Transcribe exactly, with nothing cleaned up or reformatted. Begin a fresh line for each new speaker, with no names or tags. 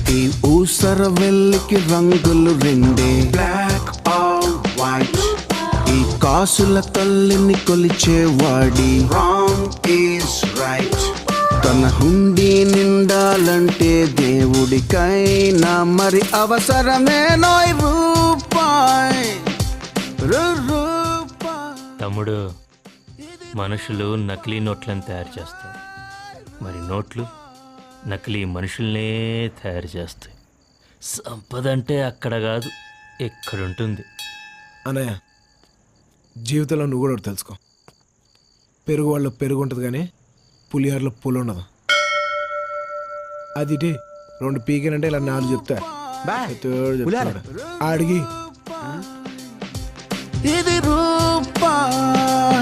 ఈ ఊసర వెల్లికి రంగులు రెండే, బ్లాక్ ఆర్ వైట్. ఈ కాసుల తల్లిని కొలిచేవాడి రాంగ్ ఈజ్ రైట్. తన హుండీ నిండాలంటే దేవుడికైనా మరి అవసరమే నోయ్ రూపాయ్ రూపాయ్.
తమ్ముడు, మనుషులు నకిలీ నోట్లను తయారు చేస్తారు, మరి నోట్లు నకిలీ మనుషుల్నే తయారు చేస్తాయి. సంపద అంటే అక్కడ కాదు, ఎక్కడుంటుంది.
అన్నయ్య, జీవితంలో నువ్వు కూడా ఒకటి తెలుసుకో, పెరుగు వాళ్ళ పెరుగు ఉంటుంది కానీ పులిహోరలో పులి ఉండదు. అది ఇటీ రెండు పీకేనంటే ఇలా నాలుగు చెప్తా అడిగి
ఇది రూపాయ్.